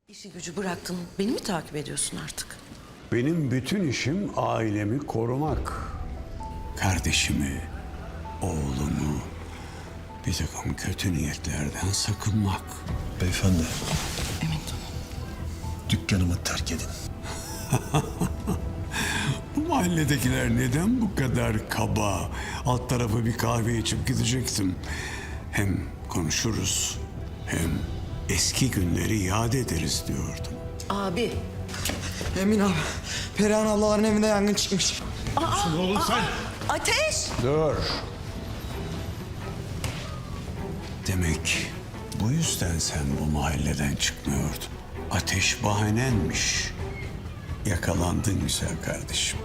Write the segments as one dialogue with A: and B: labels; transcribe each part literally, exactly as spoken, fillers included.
A: İşi gücü bıraktın, beni mi takip ediyorsun artık?
B: Benim bütün işim ailemi korumak. Kardeşimi, oğlumu bir takım kötü niyetlerden sakınmak.
C: Beyefendi,
A: Emin tamam.
C: dükkanımı terk edin.
B: Bu mahalledekiler neden bu kadar kaba? Alt tarafı bir kahve içip gidecektim. Hem konuşuruz hem eski günleri yad ederiz diyordum.
A: Abi.
D: Emin abi, Perihan ablaların evinde yangın çıkmış.
C: Oğlum sen!
A: Ateş!
B: Dur. Demek bu yüzden sen bu mahalleden çıkmıyordun. Ateş bahanenmiş. Yakalandın güzel kardeşim.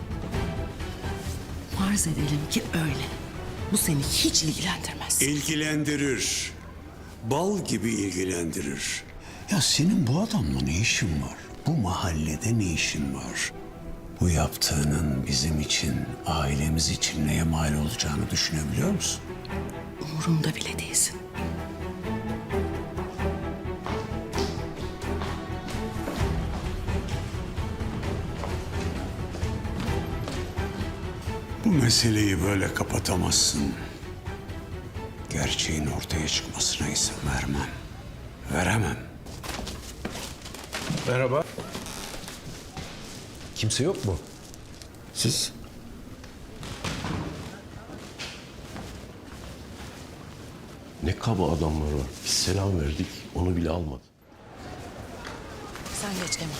A: Farz edelim ki öyle. Bu seni hiç ilgilendirmez.
B: İlgilendirir. Bal gibi ilgilendirir. Ya senin bu adamla ne işin var? Bu mahallede ne işin var? Bu yaptığının bizim için, ailemiz için neye mal olacağını düşünebiliyor musun?
A: Umurumda bile değilsin.
B: Bu meseleyi böyle kapatamazsın. Gerçeğin ortaya çıkmasına izin vermem. Veremem.
C: Merhaba. Kimse yok mu? Siz?
E: Ne kaba adamlar var. Biz selam verdik, onu bile almadı.
A: Sen geç Emin.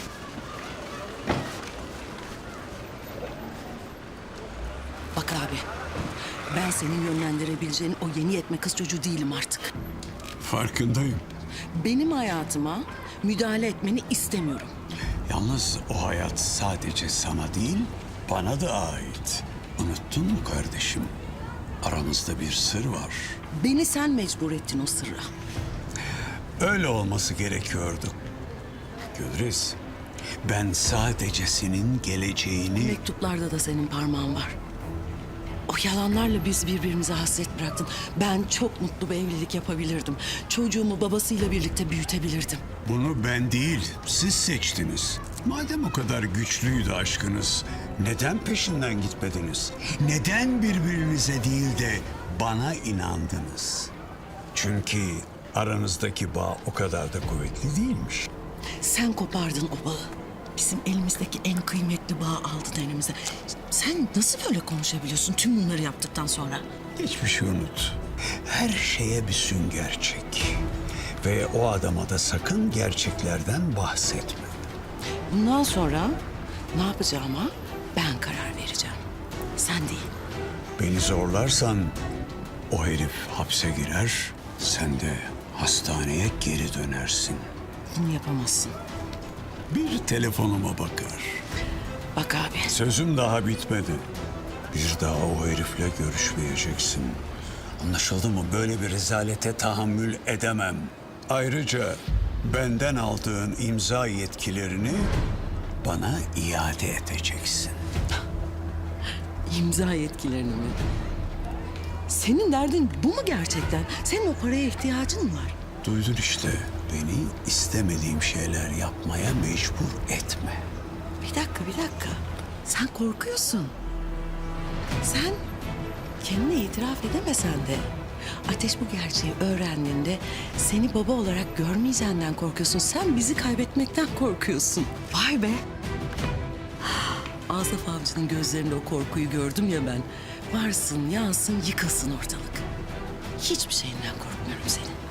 A: Bak abi. Ben senin yönlendirebileceğin o yeni yetme kız çocuğu değilim artık.
B: Farkındayım.
A: Benim hayatıma müdahale etmeni istemiyorum.
B: Yalnız o hayat sadece sana değil, bana da ait. Unuttun mu kardeşim? Aramızda bir sır var.
A: Beni sen mecbur ettin o sırra.
B: Öyle olması gerekiyordu. Gülriz, ben sadece senin geleceğini...
A: Mektuplarda da senin parmağın var. O yalanlarla biz birbirimize hasret bıraktın. Ben çok mutlu bir evlilik yapabilirdim. Çocuğumu babasıyla birlikte büyütebilirdim.
B: Bunu ben değil, siz seçtiniz. Madem o kadar güçlüydü aşkınız, neden peşinden gitmediniz? Neden birbirinize değil de bana inandınız? Çünkü aranızdaki bağ o kadar da kuvvetli değilmiş.
A: Sen kopardın o bağı. Bizim elimizdeki en kıymetli bağı aldın elimize. Sen nasıl böyle konuşabiliyorsun tüm bunları yaptıktan sonra?
B: Geçmişi unut. Her şeye bir sünger çek. Ve o adama da sakın gerçeklerden bahsetme.
A: Bundan sonra ne yapacağıma ben karar vereceğim. Sen değil.
B: Beni zorlarsan o herif hapse girer, sen de hastaneye geri dönersin.
A: Bunu yapamazsın.
B: Bir telefonuma bakar.
A: Bak abi.
B: Sözüm daha bitmedi. Bir daha o herifle görüşmeyeceksin. Anlaşıldı mı? Böyle bir rezalete tahammül edemem. Ayrıca benden aldığın imza yetkilerini bana iade edeceksin.
A: İmza yetkilerini mi? Senin derdin bu mu gerçekten? Senin o paraya ihtiyacın mı var?
B: Duydun işte. Beni istemediğim şeyler yapmaya mecbur etme.
A: Bir dakika, bir dakika. Sen korkuyorsun. Sen kendine itiraf edemesen de Ateş bu gerçeği öğrendiğinde seni baba olarak görmeyeceğinden korkuyorsun. Sen bizi kaybetmekten korkuyorsun. Vay be. Asaf Avcı'nın gözlerinde o korkuyu gördüm ya ben. Varsın, yansın, yıkılsın ortalık. Hiçbir şeyinden korkmuyorum senin.